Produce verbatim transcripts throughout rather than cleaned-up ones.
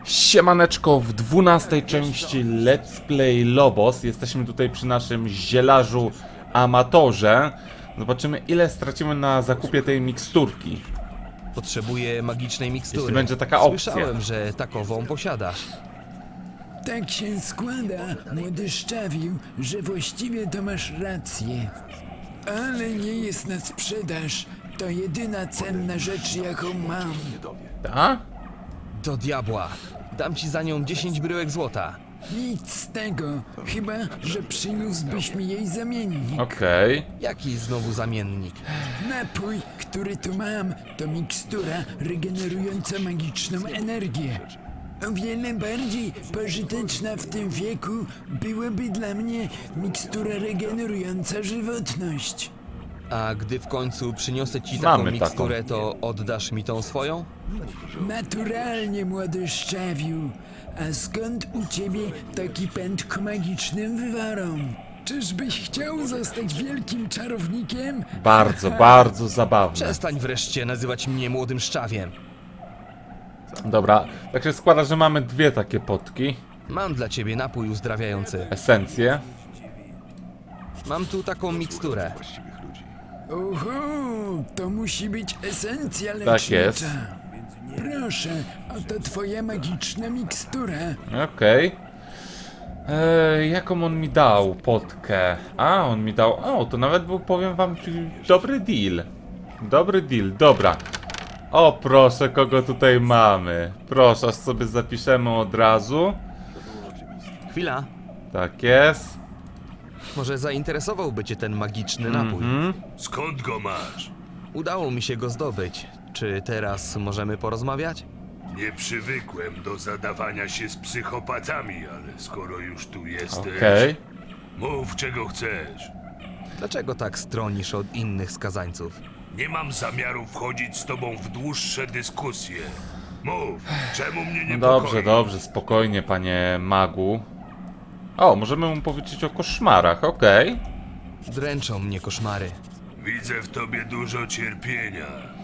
Siemaneczko, w dwunastej części Let's Play Lobos. Jesteśmy tutaj przy naszym zielarzu amatorze. Zobaczymy, ile stracimy na zakupie tej miksturki. Potrzebuję magicznej mikstury. Jeśli będzie taka opcja. Słyszałem, że takową posiadasz. Tak się składa, młody szczawiu, że właściwie to masz rację. Ale nie jest na sprzedaż. To jedyna cenna rzecz, jaką mam. Ta? Do diabła. Dam ci za nią dziesięć bryłek złota. Nic z tego, chyba że przyniósłbyś mi jej zamiennik. Okej. Jaki znowu zamiennik? Napój, który tu mam, to mikstura regenerująca magiczną energię. O wiele bardziej pożyteczna w tym wieku byłaby dla mnie mikstura regenerująca żywotność. A gdy w końcu przyniosę ci taką Mamy taką. miksturę, to oddasz mi tą swoją? Naturalnie, młody szczawiu. A skąd u ciebie taki pęd ku magicznym wywarom? Czyżbyś chciał zostać wielkim czarownikiem? Bardzo, bardzo zabawne. Przestań wreszcie nazywać mnie młodym szczawiem. Dobra, tak się składa, że mamy dwie takie potki. Mam dla ciebie napój uzdrawiający. Esencje. Mam tu taką miksturę. Oho, to musi być esencja lecznicza. Tak jest. Proszę, oto twoja magiczna mikstura. Okej. Eee, jaką on mi dał potkę? A, on mi dał... O, to nawet był, powiem wam, dobry deal. Dobry deal, dobra. O, proszę, kogo tutaj mamy. Proszę, aż sobie zapiszemy od razu. Chwila. Tak jest. Może zainteresowałby cię ten magiczny napój? Mhm. Skąd go masz? Udało mi się go zdobyć. Czy teraz możemy porozmawiać? Nie przywykłem do zadawania się z psychopatami, ale skoro już tu jesteś, Okej. mów czego chcesz. Dlaczego tak stronisz od innych skazańców? Nie mam zamiaru wchodzić z tobą w dłuższe dyskusje. Mów, czemu mnie nie No dobrze, dobrze, spokojnie, panie magu. O, możemy mu powiedzieć o koszmarach, okej. Dręczą mnie koszmary. Widzę w tobie dużo cierpienia,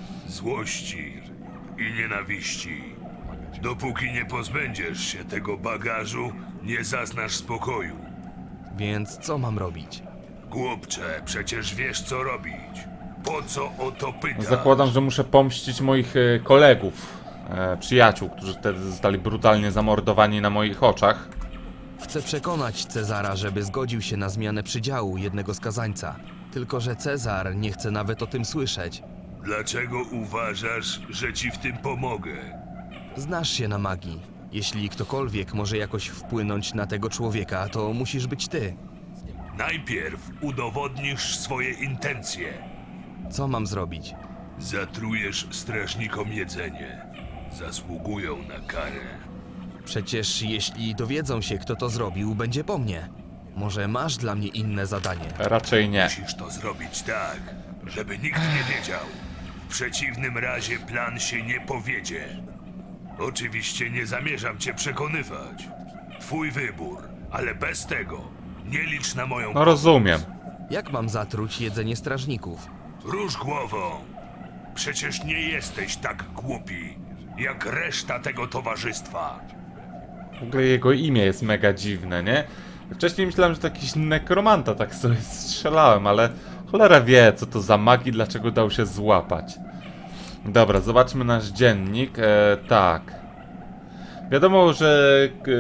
złości i nienawiści. Dopóki nie pozbędziesz się tego bagażu, nie zaznasz spokoju. Więc co mam robić? Głupcze, przecież wiesz co robić. Po co o to pytasz? Zakładam, że muszę pomścić moich e, kolegów, e, przyjaciół, którzy wtedy zostali brutalnie zamordowani na moich oczach. Chcę przekonać Cezara, żeby zgodził się na zmianę przydziału jednego skazańca. Tylko że Cezar nie chce nawet o tym słyszeć. Dlaczego uważasz, że ci w tym pomogę? Znasz się na magii. Jeśli ktokolwiek może jakoś wpłynąć na tego człowieka, to musisz być ty. Najpierw udowodnisz swoje intencje. Co mam zrobić? Zatrujesz strażnikom jedzenie. Zasługują na karę. Przecież jeśli dowiedzą się, kto to zrobił, będzie po mnie. Może masz dla mnie inne zadanie? Raczej nie. Musisz to zrobić tak, żeby nikt nie wiedział. W przeciwnym razie plan się nie powiedzie. Oczywiście nie zamierzam cię przekonywać. Twój wybór, ale bez tego nie licz na moją... No rozumiem. Jak mam zatruć jedzenie strażników? Rusz głową. Przecież nie jesteś tak głupi, jak reszta tego towarzystwa. W ogóle jego imię jest mega dziwne, nie? Wcześniej myślałem, że to jakiś nekromanta, tak sobie strzelałem, ale cholera wie, co to za magii, dlaczego dał się złapać. Dobra, zobaczmy nasz dziennik. E, tak. Wiadomo, że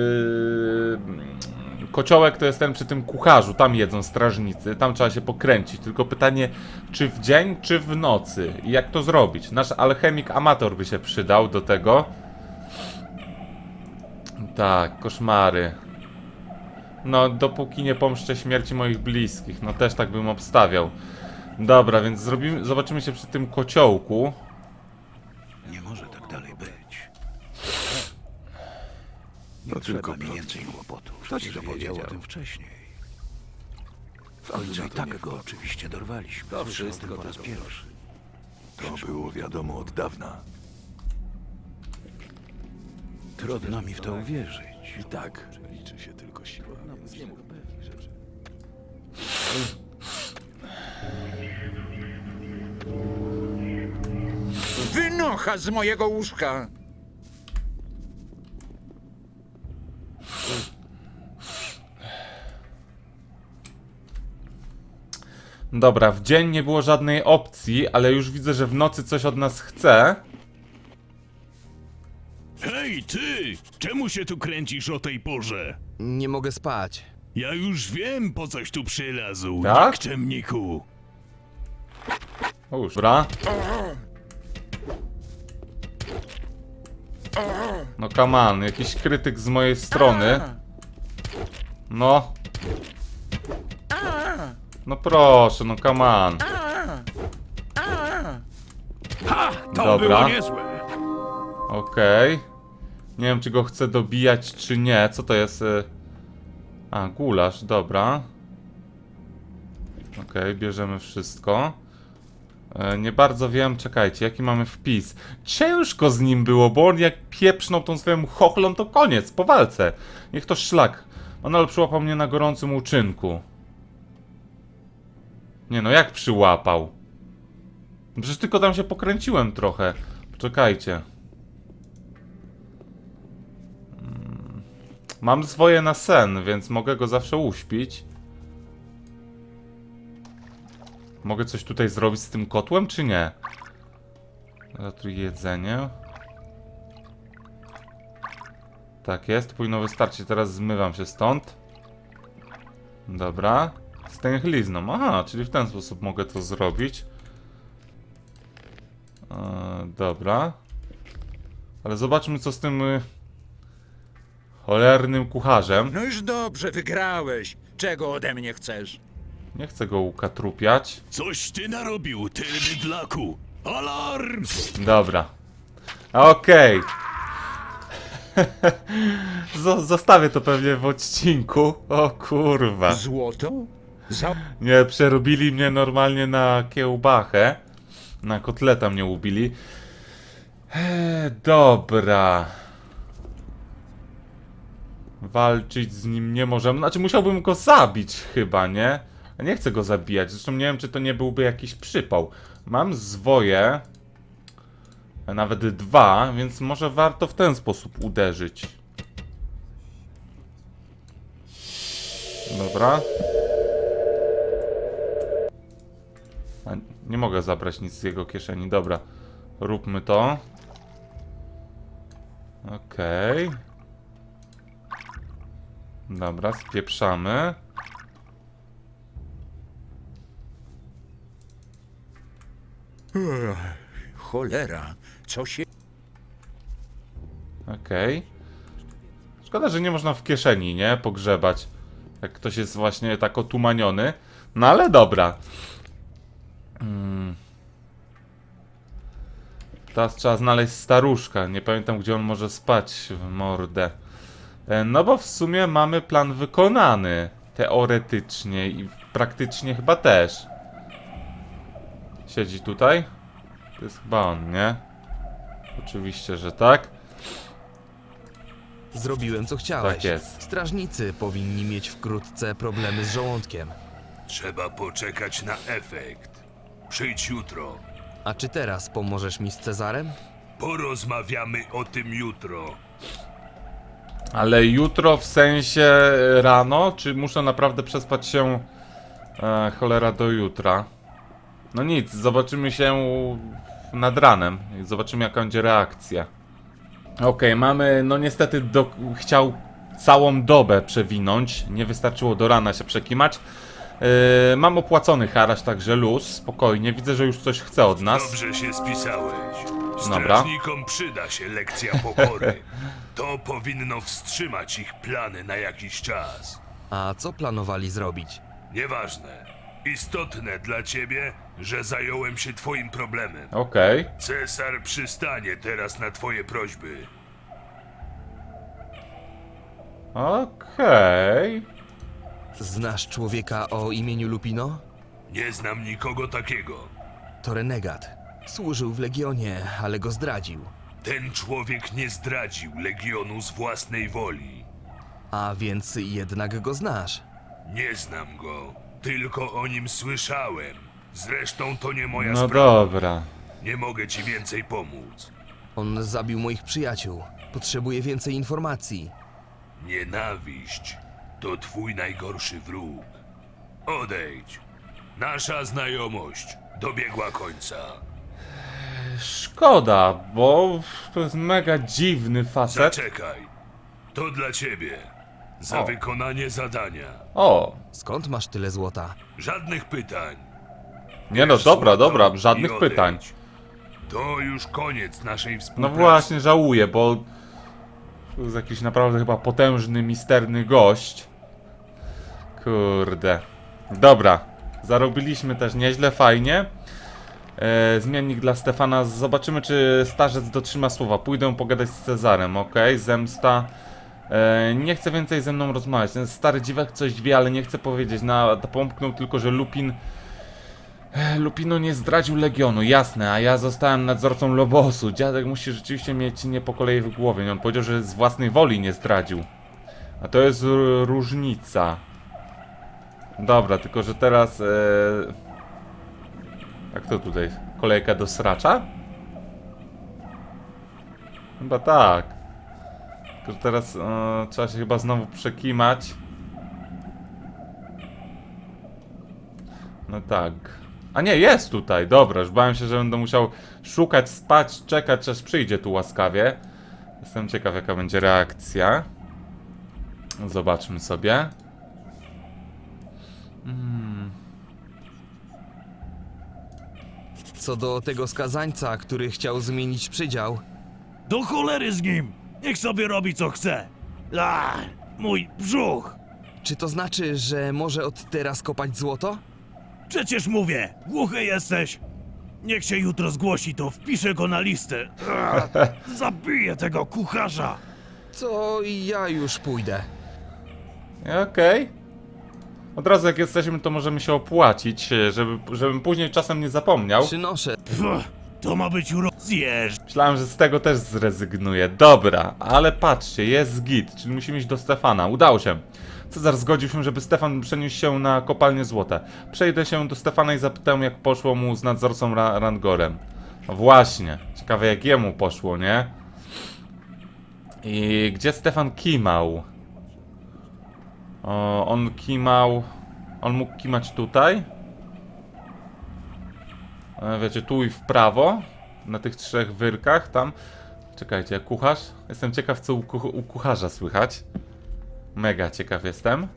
e, kociołek to jest ten przy tym kucharzu, tam jedzą strażnicy, tam trzeba się pokręcić. Tylko pytanie, czy w dzień, czy w nocy? I jak to zrobić? Nasz alchemik amator by się przydał do tego. Tak, koszmary. No, dopóki nie pomszczę śmierci moich bliskich. No, też tak bym obstawiał. Dobra, więc zrobimy, zobaczymy się przy tym kociołku. Nie może tak dalej być. To tylko Trzeba mi plotki. więcej kłopotów. Kto ci to Przecież wiedział powiedział? o tym wcześniej. W końcu i tak go oczywiście dorwaliśmy. To wszystko po raz pierwszy. To było wiadomo od dawna. Trudno mi w to uwierzyć. I tak liczy się tylko siła. Więc nie mów pewnych rzeczy. Wynocha z mojego łóżka! Dobra, w dzień nie było żadnej opcji, ale już widzę, że w nocy coś od nas chce. Hej, ty! Czemu się tu kręcisz o tej porze? Nie mogę spać. Ja już wiem, po coś tu przylazł, Tak? nikczemniku. O, już. Dobra. No come on, jakiś krytyk z mojej strony. No. No proszę, no come on. To Dobra. było niezłe. Okej. Nie wiem, czy go chcę dobijać, czy nie. Co to jest? y? A, gulasz, dobra. Okej, bierzemy wszystko. E, nie bardzo wiem, czekajcie, jaki mamy wpis. Ciężko z nim było, bo on jak pieprznął tą swoją chochlą, to koniec, po walce. Niech to szlak. Manol przyłapał mnie na gorącym uczynku. Nie no, jak przyłapał? Przecież tylko tam się pokręciłem trochę. Poczekajcie. Mm. Mam swoje na sen, więc mogę go zawsze uśpić. Mogę coś tutaj zrobić z tym kotłem, czy nie? Zatuj jedzenie. Tak jest, powinno wystarczyć. Teraz zmywam się stąd. Dobra. Stęchlizną. Aha, czyli w ten sposób mogę to zrobić. Eee, dobra. Ale zobaczmy, co z tym y, cholernym kucharzem. No już dobrze, wygrałeś. Czego ode mnie chcesz? Nie chcę go ukatrupiać. Coś ty narobił, ty bydlaku. Alarm! Dobra. Okej. Zo- Zostawię to pewnie w odcinku. O kurwa. Złoto? Za... Nie, przerobili mnie normalnie na kiełbachę. Na kotleta mnie ubili. Eee, dobra. Walczyć z nim nie możemy. Znaczy musiałbym go zabić chyba, nie? Ja nie chcę go zabijać. Zresztą nie wiem, czy to nie byłby jakiś przypał. Mam zwoje. A nawet dwa, więc może warto w ten sposób uderzyć. Dobra. A, nie mogę zabrać nic z jego kieszeni. Dobra. Róbmy to. Okej. Okay. Dobra, spieprzamy. Cholera, co się... Okej. Okay. Szkoda, że nie można w kieszeni, nie? Pogrzebać. Jak ktoś jest właśnie tak otumaniony. No ale dobra. Hmm. Teraz trzeba znaleźć staruszka. Nie pamiętam, gdzie on może spać w mordę. E, No bo w sumie mamy plan wykonany. Teoretycznie i praktycznie chyba też. Siedzi tutaj? To jest chyba on, nie? Oczywiście, że tak. Zrobiłem co chciałeś. Tak jest. Strażnicy powinni mieć wkrótce problemy z żołądkiem. Trzeba poczekać na efekt. Przyjdź jutro. A czy teraz pomożesz mi z Cezarem? Porozmawiamy o tym jutro. Ale jutro w sensie rano? Czy muszę naprawdę przespać się e, cholera do jutra? No nic, zobaczymy się nad ranem i zobaczymy, jaka będzie reakcja. Okej, okay, mamy, no niestety do, chciał całą dobę przewinąć, nie wystarczyło do rana się przekimać. Yy, mam opłacony haraż, także luz, spokojnie, widzę, że już coś chce od nas. Dobrze się spisałeś. Dobra. Strażnikom przyda się lekcja pokory. To powinno wstrzymać ich plany na jakiś czas. A co planowali zrobić? Nieważne. Istotne dla ciebie, że zająłem się twoim problemem. Okej, okay. Cesar przystanie teraz na twoje prośby. Okej. Okay. Znasz człowieka o imieniu Lupino? Nie znam nikogo takiego. To renegat. Służył w Legionie, ale go zdradził. Ten człowiek nie zdradził Legionu z własnej woli. A więc jednak go znasz. Nie znam go, tylko o nim słyszałem. Zresztą to nie moja No sprawa. dobra. Nie mogę ci więcej pomóc. On zabił moich przyjaciół. Potrzebuję więcej informacji. Nienawiść to twój najgorszy wróg. Odejdź. Nasza znajomość dobiegła końca. Szkoda, bo to jest mega dziwny facet. Zaczekaj. To dla ciebie. Za O. wykonanie zadania. O, Skąd masz tyle złota? Żadnych pytań. nie no, Bierz dobra, złoto dobra, i żadnych odejdź. pytań. To już koniec naszej No współpracy. właśnie, żałuję, bo to jest jakiś naprawdę chyba potężny, misterny gość. Kurde. Dobra, zarobiliśmy też nieźle, fajnie. E, zmiennik dla Stefana. Zobaczymy, czy starzec dotrzyma słowa. Pójdę pogadać z Cezarem, ok? Zemsta. E, nie chce więcej ze mną rozmawiać. Ten stary dziwek coś wie, ale nie chce powiedzieć. Na, pomknął tylko, że Lupin... E, Lupino nie zdradził Legionu, jasne, a ja zostałem nadzorcą Lobosu. Dziadek musi rzeczywiście mieć nie po kolei w głowie. On powiedział, że z własnej woli nie zdradził. A to jest r- różnica. Dobra, tylko że teraz... E... Jak to tutaj? Kolejka do sracza? Chyba tak. Tylko że teraz e, trzeba się chyba znowu przekimać. No tak. A nie, jest tutaj, dobra, już bałem się, że będę musiał szukać, spać, czekać, aż przyjdzie tu łaskawie. Jestem ciekaw, jaka będzie reakcja. Zobaczmy sobie. Hmm. Co do tego skazańca, który chciał zmienić przydział, Do cholery z nim! Niech sobie robi co chce! A, mój brzuch! czy to znaczy, że może od teraz kopać złoto? Przecież mówię, głuchy jesteś! Niech się jutro zgłosi, to wpiszę go na listę. A, zabiję tego kucharza! To ja już pójdę. Okej. Od razu jak jesteśmy, to możemy się opłacić, żeby, żebym później czasem nie zapomniał. Przynoszę. Pff, to ma być uro... Zjesz! Myślałem, że z tego też zrezygnuję. Dobra, ale patrzcie, jest git, czyli musimy iść do Stefana. Udało się. Cezar zgodził się, żeby Stefan przeniósł się na kopalnię złota. Przejdę się do Stefana i zapytam, jak poszło mu z nadzorcą Ra Rangorem. No właśnie, ciekawe jak jemu poszło, nie? I gdzie Stefan kimał? O, on kimał... On mógł kimać tutaj? E, wiecie, tu i w prawo. Na tych trzech wyrkach, tam. Czekajcie, kucharz? Jestem ciekaw, co u, kuch u kucharza słychać. Mega ciekaw jestem.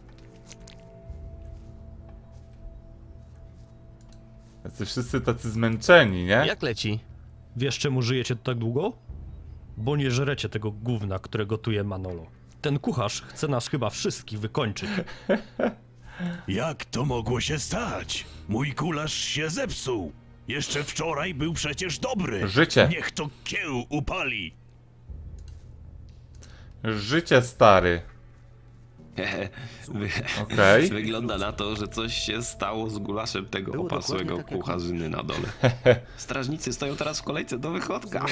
Tacy wszyscy tacy zmęczeni, nie? Jak leci? Wiesz, czemu żyjecie tu tak długo? Bo nie żrecie tego gówna, które gotuje Manolo. Ten kucharz chce nas chyba wszystkich wykończyć. Jak to mogło się stać? Mój kularz się zepsuł! Jeszcze wczoraj był przecież dobry! Życie. Niech to kieł upali! Życie, stary. Wy... Okej. Wygląda na to, że coś się stało z gulaszem tego opasłego kucharzyny na dole. Strażnicy stoją teraz w kolejce do wychodka.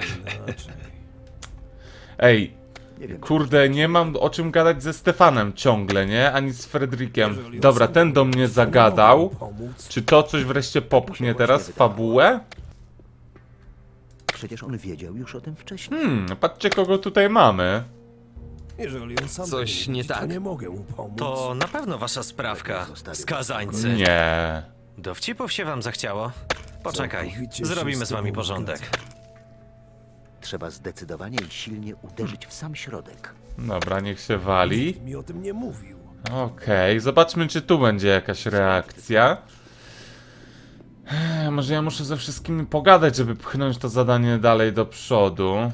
Ej, kurde, nie mam o czym gadać ze Stefanem ciągle, nie? Ani z Fredrikiem. Dobra, ten do mnie zagadał. Czy to coś wreszcie popchnie teraz? Fabułę? Przecież on wiedział już o tym wcześniej. Hmm, patrzcie kogo tutaj mamy. Coś nie tak? To na pewno wasza sprawka, skazańcy. Nie. Dowcipów się wam zachciało? Poczekaj, zrobimy z wami porządek. Trzeba zdecydowanie i silnie uderzyć w sam środek. Dobra, niech się wali. Mi o tym nie mówił. Okej, zobaczmy czy tu będzie jakaś reakcja. Ech, może ja muszę ze wszystkimi pogadać, żeby pchnąć to zadanie dalej do przodu.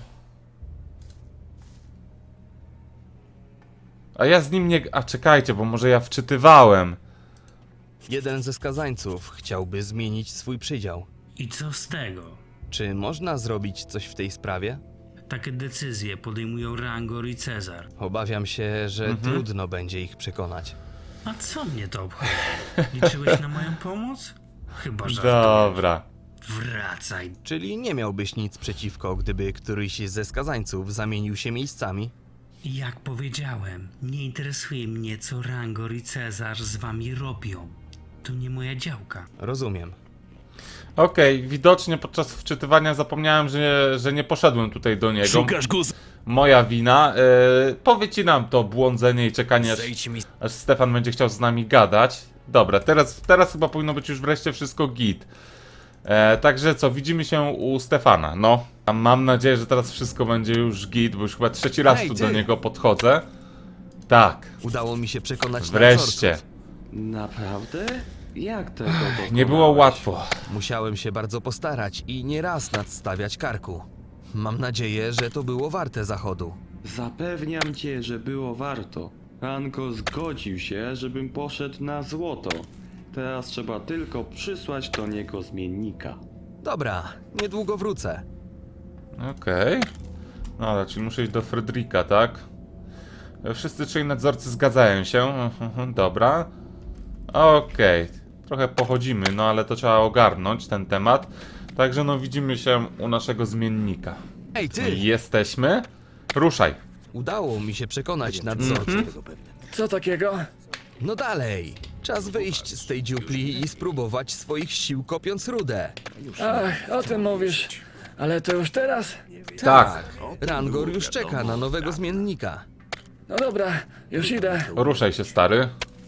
A ja z nim nie... A czekajcie, bo może ja wczytywałem. Jeden ze skazańców chciałby zmienić swój przydział. I co z tego? Czy można zrobić coś w tej sprawie? Takie decyzje podejmują Rangor i Cezar. Obawiam się, że trudno będzie ich przekonać. A co mnie to obchodzi? Liczyłeś na moją pomoc? Chyba żartujesz. Dobra. Wracaj. Czyli nie miałbyś nic przeciwko, gdyby któryś ze skazańców zamienił się miejscami? Jak powiedziałem, nie interesuje mnie, co Rangor i Cezar z wami robią. To nie moja działka. Rozumiem. Okej, widocznie podczas wczytywania zapomniałem, że, że nie poszedłem tutaj do niego. Szukasz go z... Moja wina. Yy, powycinam to błądzenie i czekanie, aż, Zejdź mi... aż Stefan będzie chciał z nami gadać. Dobra, teraz, teraz chyba powinno być już wreszcie wszystko git. E, także co, widzimy się u Stefana, no. A mam nadzieję, że teraz wszystko będzie już git, bo już chyba trzeci raz Hej, tu ty! do niego podchodzę. Tak, Udało mi się przekonać wreszcie. nadzorców. Naprawdę? Jak tego Nie było łatwo. Musiałem się bardzo postarać i nieraz nadstawiać karku. Mam nadzieję, że to było warte zachodu. Zapewniam cię, że było warto. Rango zgodził się, żebym poszedł na złoto. Teraz trzeba tylko przysłać do niego zmiennika. Dobra, niedługo wrócę. Okej. No ale, czyli muszę iść do Fredrika, tak? Wszyscy trzej nadzorcy zgadzają się. Mhm, dobra. Okej. Trochę pochodzimy, no ale to trzeba ogarnąć, ten temat. Także no widzimy się u naszego zmiennika. Ej, ty! Jesteśmy? Ruszaj. Udało mi się przekonać nadzorców. Co takiego? No dalej! Czas wyjść z tej dziupli i spróbować swoich sił kopiąc rudę. Ach, o tym mówisz. Ale to już teraz? Tak. Rangor już czeka na nowego zmiennika. No dobra, już idę. Ruszaj się, stary.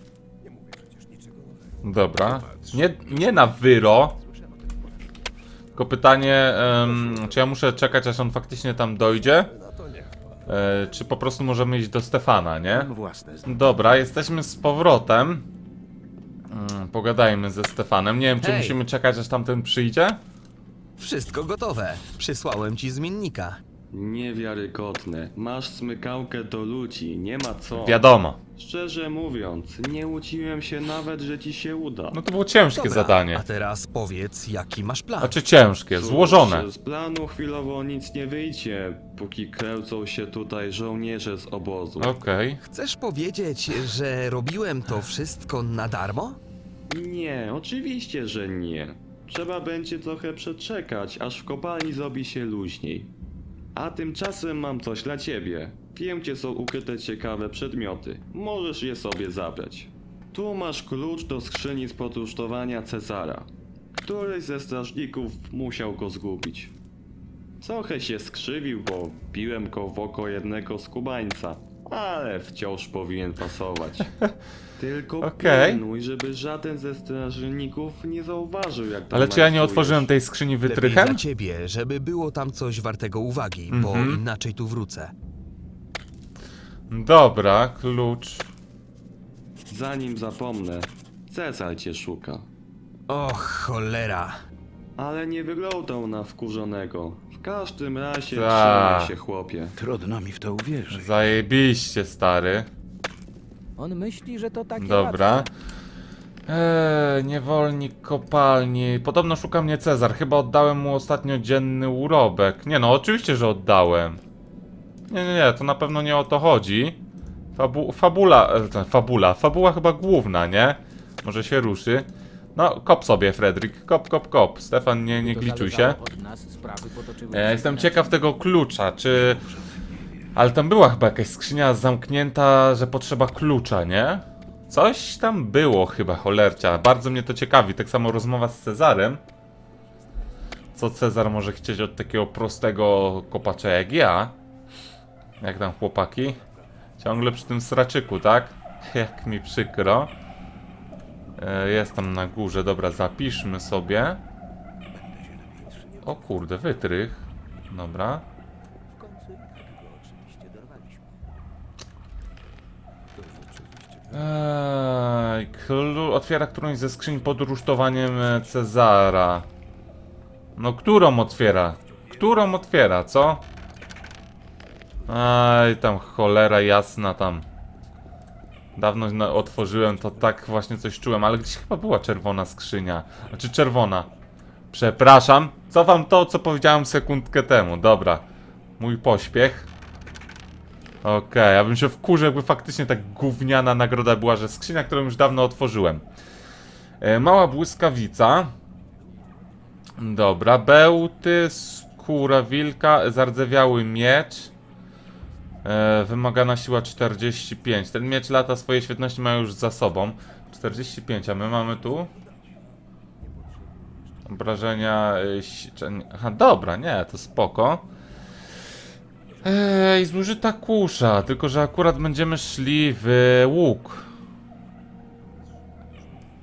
Dobra. Nie, nie na wyro. Tylko pytanie, em, czy ja muszę czekać, aż on faktycznie tam dojdzie? E, czy po prostu możemy iść do Stefana, nie? Dobra, jesteśmy z powrotem. Mm, pogadajmy ze Stefanem. Nie wiem, czy Hej. musimy czekać, aż tamten przyjdzie? Wszystko gotowe. Przysłałem ci zmiennika. Niewiarygodne. Masz smykałkę do ludzi, nie ma co. Wiadomo. Szczerze mówiąc, nie łudziłem się nawet, że ci się uda. No to było ciężkie Dobra, zadanie. a teraz powiedz, jaki masz plan. Znaczy ciężkie, Cóż, złożone. Z planu chwilowo nic nie wyjdzie, póki kręcą się tutaj żołnierze z obozu. Okej. Chcesz powiedzieć, że robiłem to wszystko na darmo? Nie, oczywiście, że nie. Trzeba będzie trochę przeczekać, aż w kopalni zrobi się luźniej. A tymczasem mam coś dla ciebie. Wiem, gdzie są ukryte ciekawe przedmioty. Możesz je sobie zabrać. Tu masz klucz do skrzyni z podrusztowania Cezara. Któryś ze strażników musiał go zgubić. Trochę się skrzywił, bo biłem go w oko jednego skubańca, ale wciąż powinien pasować. Tylko Okej. pilnuj, żeby żaden ze strażników nie zauważył, jak tam Ale czy ja nie majstrujesz. otworzyłem tej skrzyni Lepiej dla wytrychem? ciebie, żeby było tam coś wartego uwagi, bo Mhm. inaczej tu wrócę. Dobra, klucz. Zanim zapomnę, Cezar cię szuka. Och, cholera. Ale nie wyglądał na wkurzonego. W każdym razie Ta. trzymaj się, chłopie. Trudno mi w to uwierzyć. Zajebiście, stary. On myśli, że to takie Dobra. Eee, niewolnik kopalni. Podobno szuka mnie Cezar. Chyba oddałem mu ostatnio dzienny urobek. Nie no, oczywiście, że oddałem. Nie, nie, nie, to na pewno nie o to chodzi. Fabu fabula, e, ten, fabula, fabuła chyba główna, nie? Może się ruszy. No, kop sobie, Fredrik. Kop, kop, kop. Stefan, nie, nie gliczuj się. E, jestem ciekaw tego klucza, czy... Ale tam była chyba jakaś skrzynia zamknięta, że potrzeba klucza, nie? Coś tam było chyba, cholercia. Bardzo mnie to ciekawi. Tak samo rozmowa z Cezarem. Co Cezar może chcieć od takiego prostego kopacza jak ja? Jak tam, chłopaki? Ciągle przy tym sraczyku, tak? Jak mi przykro. E, jest tam na górze. Dobra, zapiszmy sobie. O kurde, wytrych. Dobra. Eee, klu otwiera którąś ze skrzyń pod rusztowaniem e, Cezara. No, którą otwiera? Którą otwiera, co? Aj, tam cholera jasna tam. Dawno na otworzyłem, to tak właśnie coś czułem, ale gdzieś chyba była czerwona skrzynia. Znaczy czerwona. Przepraszam. Cofam to, co powiedziałem sekundkę temu. Dobra. Mój pośpiech. Okej, okay, ja bym się wkurzył, jakby faktycznie tak gówniana nagroda była, że skrzynia, którą już dawno otworzyłem. E, mała błyskawica. Dobra, bełty, skóra wilka, zardzewiały miecz. E, wymagana siła czterdzieści pięć. Ten miecz lata swojej świetności ma już za sobą. czterdzieści pięć, a my mamy tu? Obrażenia... E, aha, dobra, nie, to spoko. Ej, zużyta kusza, tylko że akurat będziemy szli w łuk.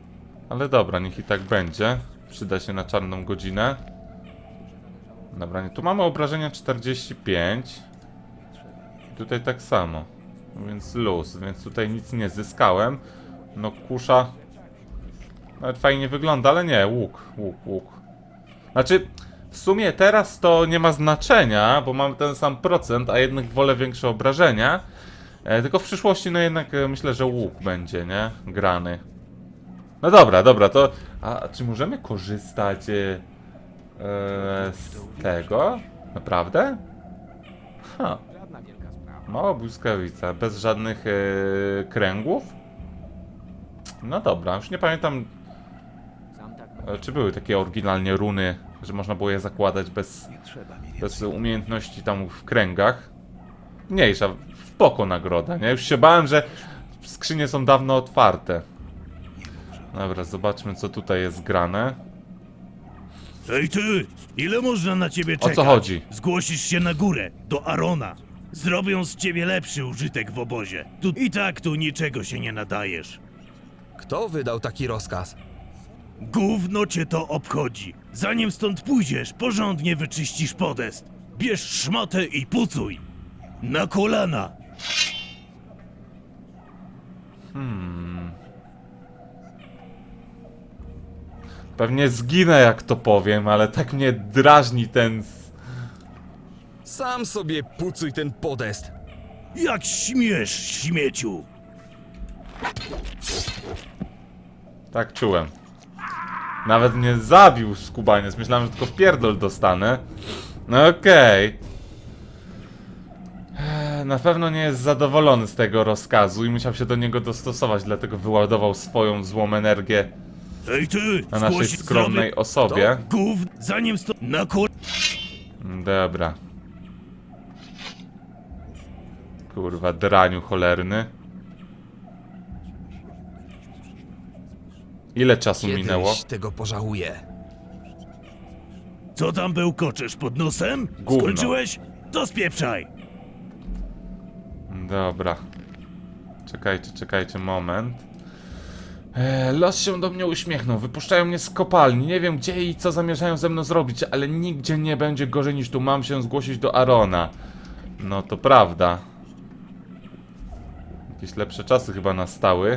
Ale dobra, niech i tak będzie. Przyda się na czarną godzinę. Dobra, nie, tu mamy obrażenia czterdzieści pięć. Tutaj tak samo. Więc luz, więc tutaj nic nie zyskałem. No kusza nawet fajnie wygląda, ale nie, łuk, łuk, łuk. Znaczy, w sumie teraz to nie ma znaczenia, bo mamy ten sam procent, a jednak wolę większe obrażenia. E, tylko w przyszłości, no jednak e, myślę, że łuk będzie, nie? Grany. No dobra, dobra, to... A czy możemy korzystać e, e, z tego? Naprawdę? Ha. Mała błyskawica, bez żadnych e, kręgów? No dobra, już nie pamiętam, e, czy były takie oryginalnie runy, że można było je zakładać bez, bez umiejętności tam w kręgach. Mniejsza, spoko nagroda, nie? Już się bałem, że skrzynie są dawno otwarte. Dobra, zobaczmy, co tutaj jest grane. Ej ty, ile można na ciebie O czekać? co chodzi? Zgłosisz się na górę, do Arona. Zrobią z ciebie lepszy użytek w obozie. Tu i tak tu niczego się nie nadajesz. Kto wydał taki rozkaz? Gówno cię to obchodzi. Zanim stąd pójdziesz, porządnie wyczyścisz podest. Bierz szmatę i pucuj. Na kolana. Hmm. Pewnie zginę, jak to powiem, ale tak mnie drażni ten... s- Sam sobie pucuj ten podest. Jak śmiesz, śmieciu. Tak czułem. Nawet mnie zabił skubaniec. Myślałem, że tylko w pierdol dostanę. No okej. Eee, Na pewno nie jest zadowolony z tego rozkazu i musiał się do niego dostosować, dlatego wyładował swoją złą energię Ej ty, na naszej zgłosić skromnej zrobię- osobie. Gówno, zanim stąd na kol... Dobra. Kurwa, draniu cholerny. Ile czasu minęło? Kiedyś tego pożałuję. Co tam bełkoczesz pod nosem? Gówno. Skończyłeś? To spieprzaj. Dobra. Czekajcie, czekajcie, moment. Eee, los się do mnie uśmiechnął. Wypuszczają mnie z kopalni. Nie wiem gdzie i co zamierzają ze mną zrobić, ale nigdzie nie będzie gorzej niż tu. Mam się zgłosić do Arona. No to prawda. Jakieś lepsze czasy chyba nastały.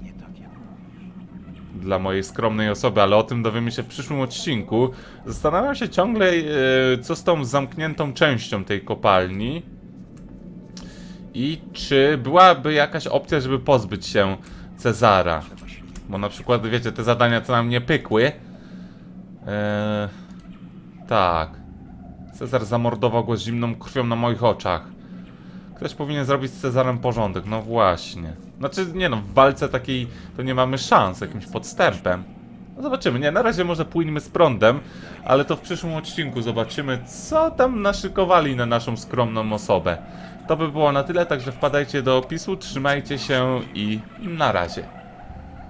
Dla mojej skromnej osoby, ale o tym dowiemy się w przyszłym odcinku. Zastanawiam się ciągle, e, co z tą zamkniętą częścią tej kopalni. I czy byłaby jakaś opcja, żeby pozbyć się Cezara. Bo na przykład, wiecie, te zadania, co nam nie pykły. E, tak. Cezar zamordował go z zimną krwią na moich oczach. Ktoś powinien zrobić z Cezarem porządek, no właśnie. Znaczy, nie no, w walce takiej to nie mamy szans, jakimś podstępem. No zobaczymy, nie, na razie może płyniemy z prądem, ale to w przyszłym odcinku zobaczymy, co tam naszykowali na naszą skromną osobę. To by było na tyle, także wpadajcie do opisu, trzymajcie się i na razie.